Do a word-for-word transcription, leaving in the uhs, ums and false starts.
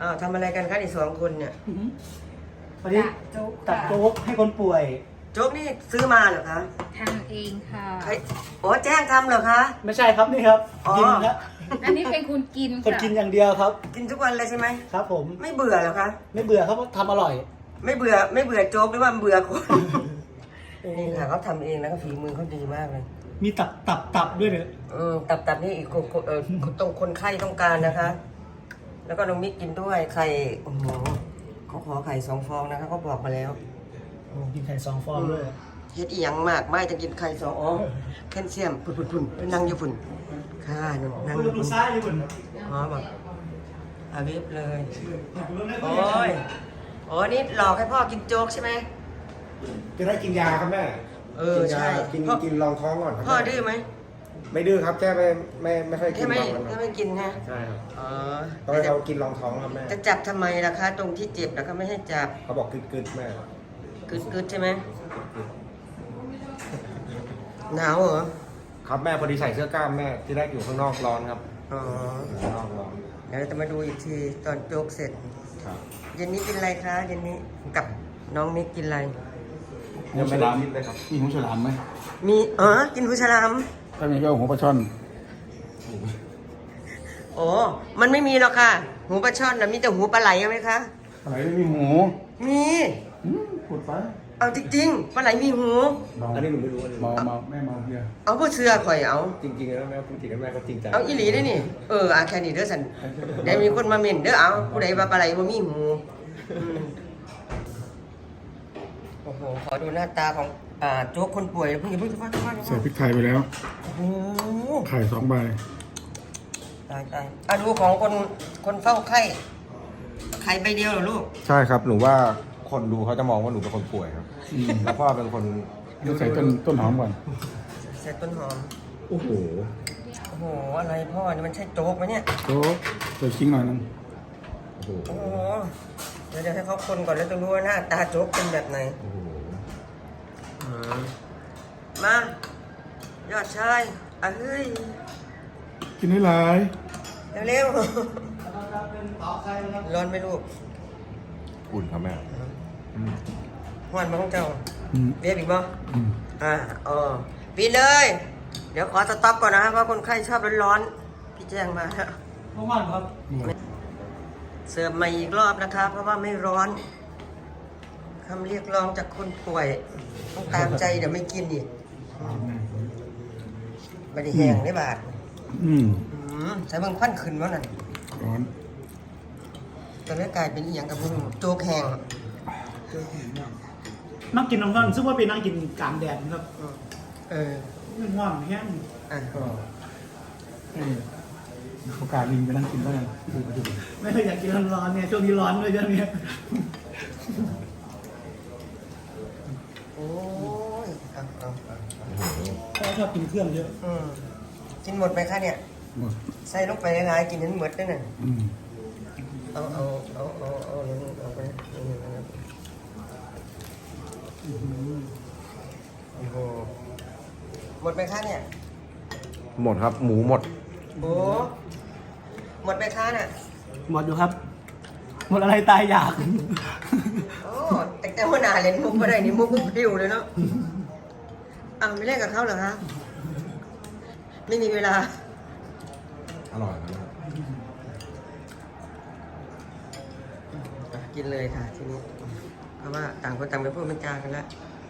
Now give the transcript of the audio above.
อ้าวทำอะไรกันคะอีกสองคนเนี่ยวันนี้ตัดโจ๊กให้คนป่วยโจ๊กนี่ซื้อมาเหรอคะทำเองค่ะใครโอ้แจ้งทำเหรอคะไม่ใช่ครับนี่ครับอ๋อกินครับอันนี้เป็นคุณกินคนค่ะกินอย่างเดียวครับกินทุกวันเลยใช่ไหมครับผมไม่เบื่อเหรอคะไม่เบื่อครับเพราะทำอร่อยไม่เบื่อไม่เบื่อโจ๊กหรือว่าเบื่อคนนี่ค่ะเขาทำเองแล้วก็ฝีมือเขาดีมากเลยมีตับตับตับด้วยเนี่ยอืมตับตับนี่อีกคนคนเออตรงคนไข้ต้องการนะคะ แล้วก็น้องมิกกินด้วยไข่โอ้โหเขาขอไข่สองฟองนะคะเขาบอกมาแล้วโอ้กินไข่สองฟองด้วยเฮ็ดอีหยังมากไม่จะกินไข่สองอ๋อแคลเซียมพุ่นพุ่นพุ่นไปนั่งอยู่พุ่นค่ะนั่งอยู่ดูพุ่นซ้ายอยู่บนอ๋อบอกอาวิบเลยโอ้ยโอ้นี่หลอกให้พ่อกินโจ๊กใช่ไหมจะได้กินยาครับแม่เออกินยาใช่กินพ่อกินรองท้องก่อนครับพ่อแม่ดื้อไหมไม่ดื้อครับแค่ไม่ไม่ไม่ค่อยกิแค่นไม่บางวันแค่ครับไม่กินนะใช่ครับอ๋อต้องให้เขากินรองท้องครับแม่จะจับทำไมล่ะคะตรงที่เจ็บแล้วก็ไม่ให้จับเขาบอกกึดกึดๆแม่กึดกึดใช่ไหมหนาวเหรอครับแม่พอดีใส่เสื้อกล้ามแม่ที่แรกอยู่ข้างนอกร้อนครับอ๋ออยู่ข้างนอกร้อนเดี๋ยวเราจะมาดูอีกทีตอนโจ๊กเสร็จครับเย็นนี้กินอะไรคะเย็นนี้กับน้องมิกกินอะไรยังไม่ได้กินเลยครับมีหูฉลามไหมมีเออกินหูฉลามถ้ามีก็เอาหัวปลาช่อนโอ้มันไม่มีหรอกค่ะ หูปลาช่อนนะมีแต่หูปลาไหลเอาไหมคะอะไรไม่มีหูมีอืมพูดไปเอาจริงๆปลาไหลมีหูเมาอันนี้หนูไม่รู้อันนี้เมาเมาแม่เมาเบียร์เอาผู้เชื่อข่อยเอาจริงๆแล้วแม่พูดจริงแล้วแม่ก็จริงใจเอาอีหลีได้นี่ เอออาแค่นี้เด้อสันเดี๋ยวมีคนมาเม่นเด้อเอาผู้ใดว่าปลาไหลบ่มีหูอืมโอ้โหขอดูหน้าตาของอ่าโจ๊กคนป่วยเพิ่งอย่าเพิ่งจะฟังฟังใส่พริกไทยไปแล้วโอ้โหไข่สองใบตายตายอ่ะดูของคนคนเฝ้าไข้ไข่ใบเดียวเหรอลูกใช่ครับหนูว่าคนดูเขาจะมองว่าหนูเป็นคนป่วยครับอืมแล้วพ่อเป็นคนเดี๋ยวใส่ต้นต้นหอมก่อนใส่ต้นหอมโอ้โหโอ้โห อะไรพ่อนี่มันใช่โจ๊กไหมเนี่ยโจ๊กใส่ชิ้งหน่อยนึงโอ้โหโอ้โห เดี๋ยวเดี๋ยวให้เขาคนก่อนแล้วจะรู้ว่าหน้าตาโจ๊กเป็นแบบไหนโอ้โหมา ยอดชายอ่ะเฮ้ยกินให้หลายเร็วๆร้อนไหมลูกอุ่นครับแม่อืมหวานมาของเจ้าอืมเบียบอีกบ่อืมอ่าอ๋อปีเลย เดี๋ยวขอสต็อปก่อนนะครับเพราะคนไข้ชอบร้อนๆพี่แจ้งมาแล้วเมื่อวานครับเสิร์ฟใหม่อีกรอบนะครับ เพราะว่าไม่ร้อนคำเรียกร้องจากคนป่วย ต้องตามใจเดี๋ยวไม่กินอีกบไดแห้งได้บาทอืมอืมใส่เบิ่งควันขึ้นวะนั่นร้อนตอนนี้กลายเป็นอีหยังกับพวกโจ๊กแห้งนั่งกินน้ำร้อนซึ่งว่าเป็นนั่งกินกลางแดดครับอืมเออมันว่างแห้งอ่ะก็ให้โอกาสลิงไปนั่งกินก็ยังดูไปดูไม่เคยอยากกินร้อนๆเนี่ยช่วงนี้ร้อนด้วยช่วงนี้โอ้ยเอาเอาเอาพ่อชอบกินเครื่องเยอะอืมกินหมดไหมคะเนี่ยหมดใส่ลงไปหลายๆกินให้หมดด้วยน่ะอืมเอาเอาเอาเอาเอาเอาเอาไปนี่นะครับโอ้โหหมดไหมคะเนี่ยหมดครับหมูหมดโอ้หมดไหมคะน่ะหมดอยู่ครับ หมดอะไรตายอยากโอ้แต่แต่หัวหน้าเล่นมุกไม่ได้นี่มุกมุกพิวเลยเนาะอ้าวไม่เล่นกับเขาเหรอคะไม่มีเวลาอร่อยครับอ่ะกินเลยค่ะทีนี้เพราะว่าต่างคนต่างไปพูดเป็นจากันแล้วอ